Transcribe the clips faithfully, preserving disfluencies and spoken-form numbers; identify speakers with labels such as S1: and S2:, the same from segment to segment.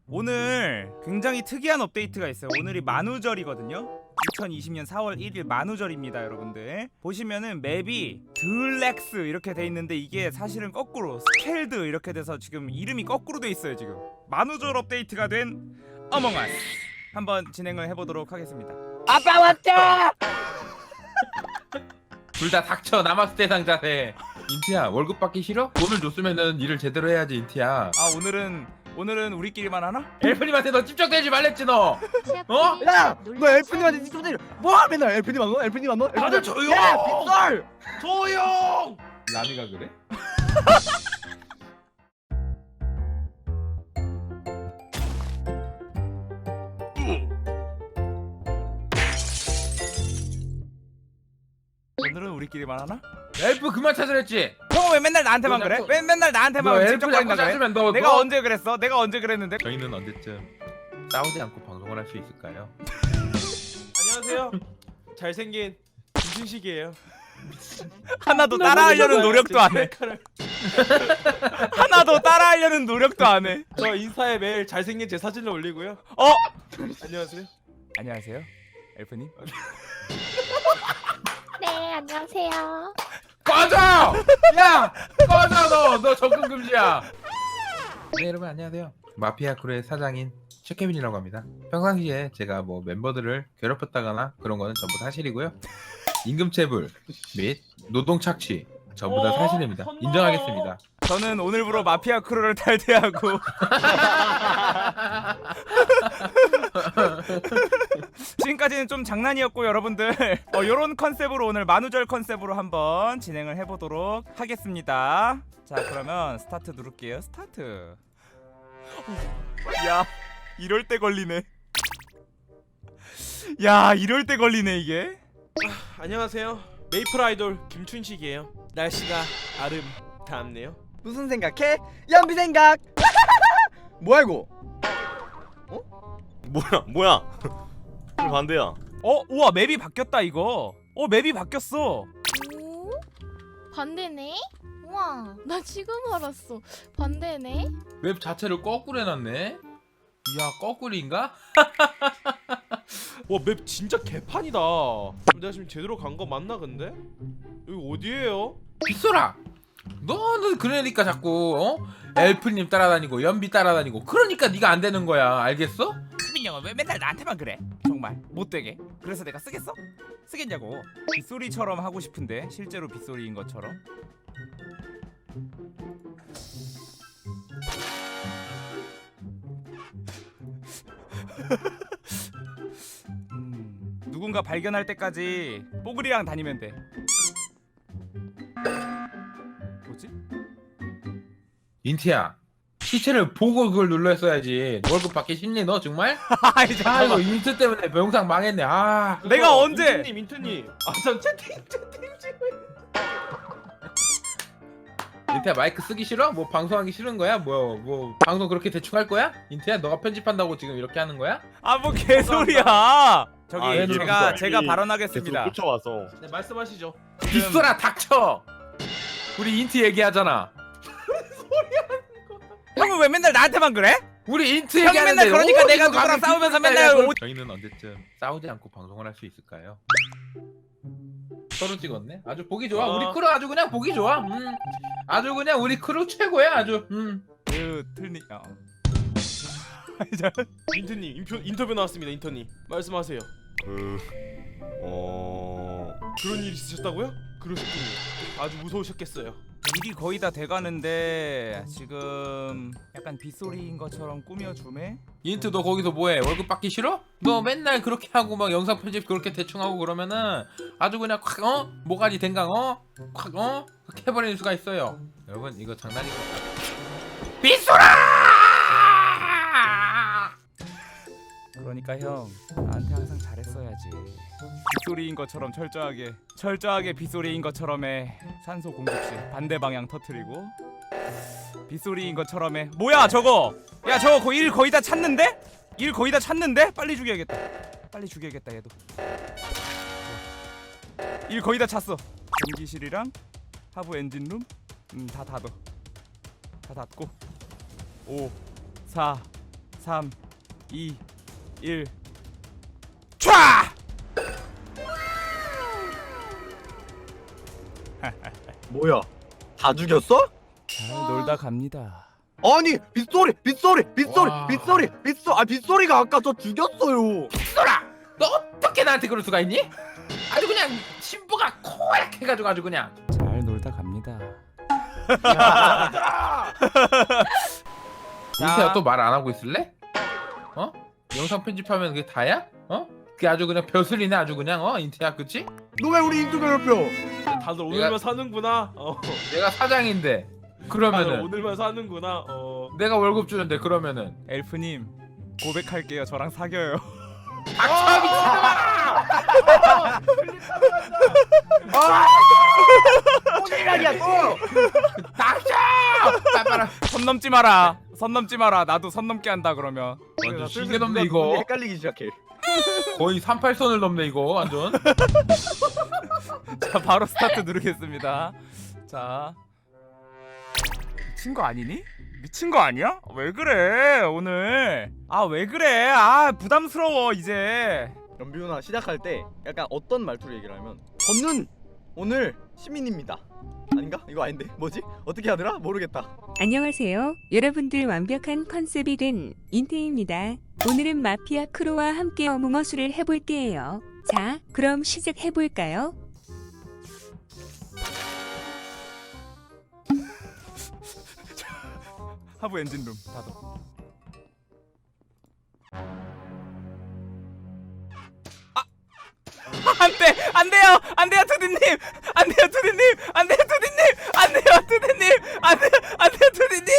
S1: 오늘 굉장히 특이한 업데이트가 있어요. 오늘이 만우절이거든요. 이천이십 년 사월 일일 만우절입니다. 여러분들 보시면은 맵이 들렉스 이렇게 돼 있는데 이게 사실은 거꾸로 스켈드 이렇게 돼서 지금 이름이 거꾸로 돼 있어요. 지금 만우절 업데이트가 된 어몽어스 한번 진행을 해보도록 하겠습니다.
S2: 아빠 왔다!
S3: 둘 다 닥쳐. 남학스 대상 자세. 인티야, 월급 받기 싫어? 돈을 줬으면은 일을 제대로 해야지. 인티야.
S1: 아 오늘은 오늘은 우리끼리만 하나?
S3: 엘프님한테 너 집적대지 말랬지 너. 어?
S2: 야! 너 엘프님한테 좀 때려. 뭐야 맨날 엘프님 안 너? 엘프님 안 너?
S3: 다들 조용!
S2: 야! 빗설!
S3: 조용! 라미가 그래?
S1: 오늘은 우리끼리만 하나?
S3: 엘프 그만 찾으랬지?
S1: 형은 왜 맨날 나한테만
S3: 너
S1: 그래?
S3: 자꾸-
S1: 왜 맨날
S3: 너
S1: 나한테만
S3: 엘프
S1: 집적거린다
S3: 자꾸
S1: 그래?
S3: 찾으면 너
S1: 내가
S3: 너-
S1: 언제 그랬어? 내가 언제 그랬는데?
S3: 저희는 언제쯤 싸우지 않고 방송을 할 수 있을까요?
S4: 안녕하세요. 잘생긴 김준식이에요.
S1: 하나도 따라하려는 노력도 안 해. 하나도 따라하려는 노력도 안 해.
S4: 저 인스타에 매일 잘생긴 제 사진을 올리고요.
S1: 어?
S4: 안녕하세요.
S1: 안녕하세요, 엘프님.
S5: 네, 안녕하세요.
S3: 꺼져! 야! 꺼져 너! 너 접근 금지야. 네 여러분 안녕하세요. 마피아 크루의 사장인 최케빈이라고 합니다. 평상시에 제가 뭐 멤버들을 괴롭혔다거나 그런 거는 전부 사실이고요. 임금체불 및 노동 착취 전부 다
S4: 어?
S3: 사실입니다. 인정하겠습니다.
S1: 저는 오늘부로 마피아 크루를 탈퇴하고 지금까지는 좀 장난이었고 여러분들 어, 요런 컨셉으로 오늘 만우절 컨셉으로 한번 진행을 해보도록 하겠습니다. 자 그러면 스타트 누를게요. 스타트. 야 이럴 때 걸리네. 야 이럴 때 걸리네 이게.
S4: 안녕하세요. 메이플 아이돌 김춘식이에요. 날씨가 아름답네요.
S2: 무슨 생각해? 연비 생각! 뭐야 이거?
S6: 뭐야 뭐야 왜 반대야?
S1: 어 우와 맵이 바뀌었다 이거. 어 맵이 바뀌었어.
S5: 오? 반대네? 우와, 나 지금 알았어. 반대네?
S3: 웹 자체를 거꾸로 해놨네. 이야 거꾸리인가?
S4: 와, 맵 진짜 개판이다. 내가 지금 제대로 간 거 맞나 근데? 여기 어디예요?
S3: 빗소라! 너는 그러니까 자꾸 어? 엘프님 따라다니고 연비 따라다니고 그러니까 네가 안 되는 거야. 알겠어?
S1: 수빈이 형은 왜 맨날 나한테만 그래? 정말 못되게. 그래서 내가 쓰겠어? 쓰겠냐고. 빗소리처럼 하고 싶은데 실제로 빗소리인 것처럼. 음, 누군가 발견할 때까지 뽀글이랑 다니면 돼. 뭐지?
S3: 인티야 시체를 보고 그걸 눌렀어야지. 월급 받기 싫니 너 정말?
S1: 아이
S3: 아 이거
S1: 잠깐만.
S3: 인트 때문에 영상 망했네. 아
S1: 내가
S4: 그거
S1: 언제?
S4: 인트님 인트님. 아전 채팅 채팅 찍고 있-
S3: 인티야 마이크 쓰기 싫어? 뭐 방송하기 싫은 거야? 뭐 뭐 방송 그렇게 대충 할 거야? 인티야 너가 편집한다고 지금 이렇게 하는 거야?
S1: 아 뭐 개소리야. 저기
S6: 아, 얘는
S1: 제가
S6: 무슨
S1: 제가
S6: 이미
S1: 발언하겠습니다.
S6: 계속 쫓아와서
S4: 네, 말씀하시죠.
S3: 빗소라 닥쳐! 우리 인트 얘기하잖아.
S1: 형은 왜 맨날 나한테만 그래?
S3: 우리 인트
S1: 형이
S3: 얘기하는데
S1: 맨날 그러니까
S3: 어디서
S1: 내가 누구랑
S3: 감히
S1: 싸우면서
S3: 빗소리야,
S1: 맨날
S3: 그걸-
S1: 오-
S3: 저희는 언제쯤 싸우지 않고 방송을 할 수 있을까요? 서로 찍었네? 아주 보기 좋아.
S4: 어.
S3: 우리 크루 아주 그냥 보기 좋아. 음. 아주 그냥 우리 크루 최고야 아주. 음.
S1: 그 틀니. 어. 아니, 저-
S4: 인트님 인표, 인터뷰 나왔습니다. 인터님 말씀하세요.
S6: 그... 어...
S4: 그런 일 있으셨다고요? 그러셨군요. 아주 무서우셨겠어요.
S1: 일이 거의 다 돼가는데 지금 약간 빗소리인 것처럼 꾸며주네.
S3: 인트 너 거기서 뭐해? 월급 받기 싫어? 너 맨날 그렇게 하고 막 영상 편집 그렇게 대충 하고 그러면은 아주 그냥 콱 어? 모가지 댕강 어? 콱 어? 그렇게 해버리는 수가 있어요. 여러분 이거 장난이고 빗소라!
S1: 그러니까 형 나한테 항상 잘했어야지. 빗소리인 것처럼 철저하게 철저하게 빗소리인 것처럼 해. 산소 공급실 반대 방향 터트리고 빗소리인 것처럼 해. 뭐야 저거? 야 저거 거의 일 거의 다 찾는데? 일 거의 다 찾는데? 빨리 죽여야겠다. 빨리 죽여야겠다 얘도. 일 거의 다 찼어. 전기실이랑 하부 엔진룸 음 다 닫어. 다 닫고 오 사 삼, 이, 일. 촤!
S2: 뭐야? 다 죽였어?
S1: 잘 놀다 갑니다.
S2: 아니 빗소리 빗소리 빗소리
S3: 와.
S2: 빗소리 빗소 아 빗소리가 아까 저 죽였어요.
S3: 쏘라! 너 어떻게 나한테 그럴 수가 있니? 아주 그냥 신부가 코약해 가지고 아주 그냥.
S1: 잘 놀다 갑니다.
S3: 인태야 또 말 안 하고 있을래? 어? 영상 편집하면 그게 다야? 어? 그게 아주 그냥 벼슬이네 아주 그냥 어 인태야 그치?
S2: 너 왜 우리 인투 괴롭혀?
S4: 다들 오늘만 사는구나. 어.
S3: 내가 사장인데
S4: 다들
S3: 그러면은
S4: 오늘만 사는구나. 어.
S3: 내가 월급 주는데 그러면은
S1: 엘프님 고백할게요. 저랑 사겨요.
S3: 닥쳐 미친놈아!
S2: 오늘이야 또.
S3: 닥쳐! 빨빨아
S1: 선 넘지 마라. 선 넘지 마라. 나도 선 넘게 한다 그러면.
S3: 완전 신게 넘네 이거
S2: 헷갈리기 시작해.
S3: 거의 삼십팔 선을 넘네 이거 완전
S1: 자 바로 스타트 누르겠습니다. 자 미친 거 아니니? 미친 거 아니야? 왜 그래 오늘? 아 왜 그래? 아 부담스러워 이제.
S2: 연비훈아 시작할 때 약간 어떤 말투로 얘기를 하면 저는 오늘 시민입니다. 아닌가? 이거 아닌데 뭐지? 어떻게 하더라? 모르겠다.
S7: 안녕하세요. 여러분들 완벽한 컨셉이 된 인태입니다. 오늘은 마피아 크루와 함께 어몽어수를 해볼게요. 자, 그럼 시작해볼까요?
S1: 하부 엔진룸 닫아. 아! 안돼! 안돼요! 안돼요 투디님! 안돼요 투디님! 안돼요 투디님! 안돼요 투디님! 안돼요! 안돼요 투디님!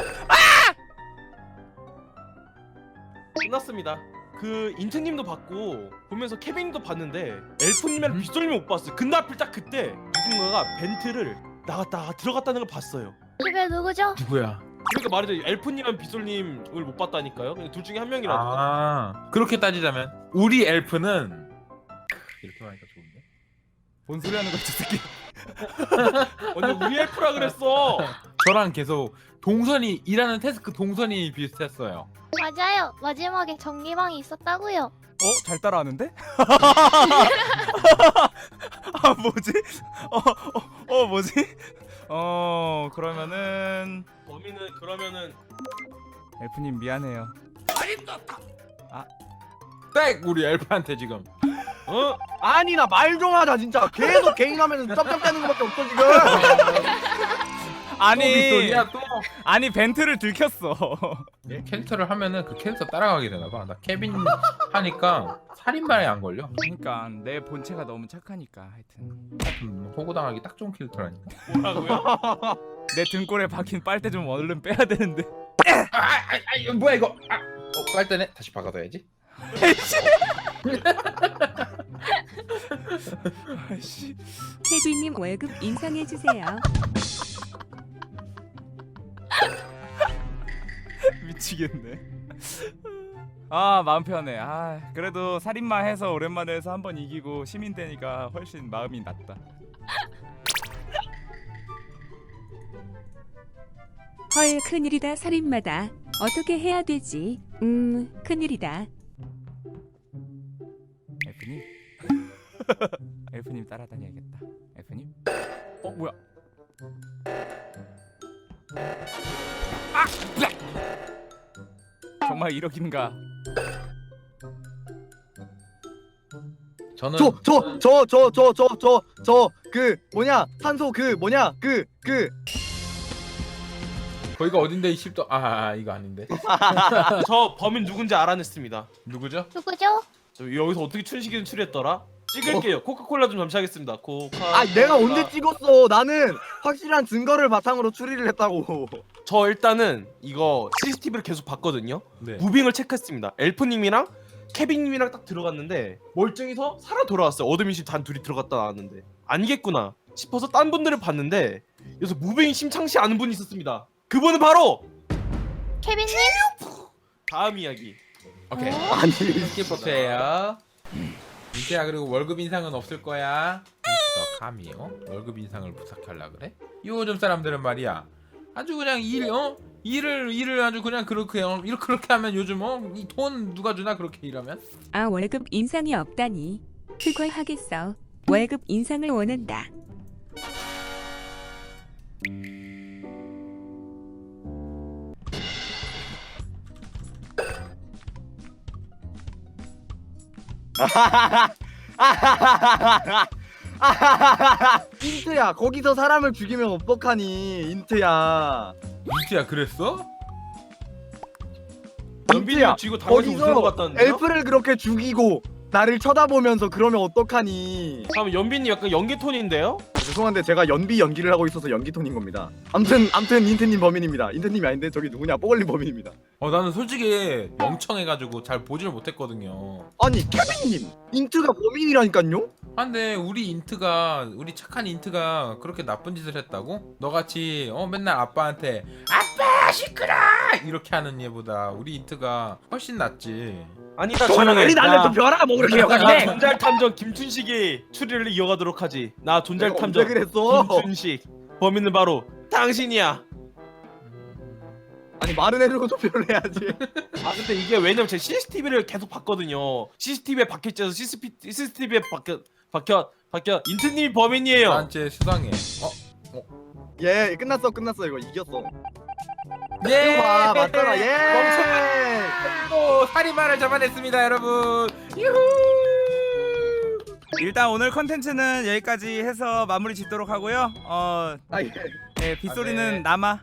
S4: 끝났습니다. 그 인트님도 봤고 보면서 케빈님도 봤는데 엘프님이랑 빗솔님을 못 봤어요. 근데 하필 딱 그때 누군가가 벤트를 나갔다가 들어갔다는 걸 봤어요.
S5: 그게 누구죠?
S3: 누구야?
S4: 그러니까 말이죠. 엘프님이랑 빗솔님을 못 봤다니까요. 그냥 둘 중에 한 명이라도.
S3: 아 그렇게 따지자면 우리 엘프는 이렇게 말하니까 좋은데?
S1: 뭔 소리 하는 거야 저 새끼.
S4: 완전 우리 엘프라 그랬어.
S3: 저랑 계속 동선이 일하는 태스크 동선이 비슷했어요.
S5: 맞아요. 마지막에 전기방이 있었다고요.
S1: 어? 잘 따라하는데? 아 뭐지? 어, 어, 어 뭐지? 어 그러면은
S4: 범인은 그러면은
S1: 엘프님 미안해요.
S3: 딱 우리 엘프한테 지금
S4: 어?
S2: 아니 나 말 좀 하자 진짜. 계속 개인하면 쩝쩝대는 거밖에 없어 지금.
S1: 아니
S3: 빗소리야 또
S1: 아니 벤트를 들켰어.
S3: 캐릭터를 하면은 그 캐릭터 따라가게 되나봐. 나 케빈 하니까 살인마에 안 걸려.
S1: 그러니까 내 본체가 너무 착하니까 하여튼
S3: 음, 호구당하기 딱 좋은 캐릭터라니까.
S4: 뭐라고요?
S1: 내 등골에 박힌 빨대 좀 얼른 빼야 되는데.
S3: 아, 아, 아 이거 뭐야 이거? 아, 어, 빨대네. 다시 박아둬야지.
S1: 아이씨.
S7: 케빈님 월급 인상해주세요.
S1: 미치겠네. 아 마음 편해. 아 그래도 살인마 해서 오랜만에 해서 한번 이기고 시민 되니까 훨씬 마음이 낫다.
S7: 헐, 큰일이다. 살인마다. 어떻게 해야 되지? 음, 큰일이다.
S1: 엘프님. 엘프님 따라다녀야겠다. 엘프님. 어 뭐야? 아! 블랙! 정말 이러긴가?
S3: 저는
S2: 저 저 저 저 저 저 저 저 그 뭐냐 산소 그 뭐냐 그 그
S3: 거기가 어딘데 이 십도 아, 아 이거 아닌데.
S4: 저 범인 누군지 알아냈습니다.
S3: 누구죠?
S5: 누구죠?
S4: 저 여기서 어떻게 춘식이는 추리했더라? 찍을게요. 코카콜라 좀 잠시하겠습니다. 코카.
S2: 아 내가 언제 찍었어? 나는 확실한 증거를 바탕으로 추리를 했다고.
S4: 저 일단은 이거 씨씨티비를 계속 봤거든요.
S3: 네.
S4: 무빙을 체크했습니다. 엘프님이랑 케빈님이랑 딱 들어갔는데 멀쩡히서 살아 돌아왔어요. 어드민실 단 둘이 들어갔다 나왔는데 아니겠구나 싶어서 딴 분들을 봤는데 여기서 무빙이 심상치 않은 분이 있었습니다. 그분은 바로
S5: 케빈님?
S4: 다음 이야기.
S3: 오케이.
S2: 아니
S3: 스킵버트예요. 이제야 그리고 월급 인상은 없을 거야. 너 감히 어? 월급 인상을 부탁하려 그래? 요즘 사람들은 말이야 아주 그냥 일 어? 일을 일을 아주 그냥 그렇게 어, 이렇게 그렇게 하면 요즘 어이 돈 누가 주나 그렇게 일하면?
S7: 아 월급 인상이 없다니. 그걸 하겠어. 월급 인상을 원한다.
S2: 인트야 거기서 사람을 죽이면 어떡하니 인트야.
S3: 민트야 그랬어?
S4: 연빈이가 쥐고 당해서 우승한 것 같다는데요?
S2: 엘프를 그렇게 죽이고 나를 쳐다보면서 그러면 어떡하니.
S4: 다음 연빈이 약간 연기 톤인데요?
S2: 죄송한데 제가 연비 연기를 하고 있어서 연기 톤인 겁니다. 암튼 암튼 인트님 범인입니다. 인트님이 아닌데 저기 누구냐 뽀글님 범인입니다.
S3: 어 나는 솔직히 멍청해가지고 잘 보지를 못했거든요.
S2: 아니 케빈님 인트가 범인이라니깐요?
S3: 아 근데 우리 인트가 우리 착한 인트가 그렇게 나쁜 짓을 했다고? 너같이 어 맨날 아빠한테 아빠 시끄러 이렇게 하는 얘보다 우리 인트가 훨씬 낫지.
S4: 아니다
S2: 조용히
S4: 조용해.
S2: 날려 좀 벼라 뭐 그렇게
S4: 나
S2: 욕하는데.
S4: 존잘 탐정 김춘식이 추리를 이어가도록 하지. 나 존잘
S2: 내가
S4: 탐정
S2: 언제 그랬어?
S4: 김춘식. 범인은 바로 당신이야.
S2: 아니 말은 해주고 투표를 해야지.
S4: 아 근데 이게 왜냐면 제가 씨씨티비를 계속 봤거든요. 씨씨티비에 박혀있어서 씨씨티비에 박혀 박혀 박혀 인트님이 범인이에요.
S3: 나한테 수상해. 어?
S2: 예 끝났어 끝났어 이거 이겼어.
S3: 예!
S2: 이거 봐 맞잖아 예.
S3: 또 살인마를 잡아냈습니다 여러분. 유후.
S1: 일단 오늘 컨텐츠는 여기까지 해서 마무리 짓도록 하고요. 어,
S2: 아 예.
S1: 네, 빗소리는
S3: 아, 네.
S1: 남아.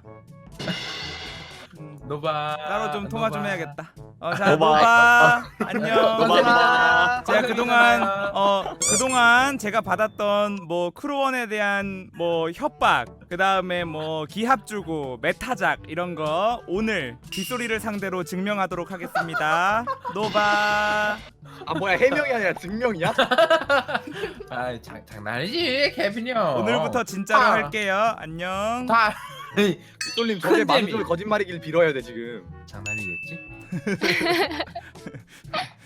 S3: 노바.
S1: 따로 좀 통화 좀
S3: 노바.
S1: 해야겠다. 어, 자,
S2: 노바.
S1: 노바. 안녕.
S2: 노바.
S1: 제가 그동안 어 그동안 제가 받았던 뭐 크루원에 대한 뭐 협박, 그 다음에 뭐 기합 주고 메타작 이런 거 오늘 빗소리를 상대로 증명하도록 하겠습니다. 노바.
S2: 아 뭐야 해명이 아니라 증명이야?
S3: 아 장, 장난이지 케빈이 형.
S1: 오늘부터 진짜로
S3: 아.
S1: 할게요. 안녕.
S3: 다
S2: 솔님 저게
S3: 큰 재미.
S2: 만주를 거짓말이길 빌어야 돼 지금.
S3: 장난이겠지?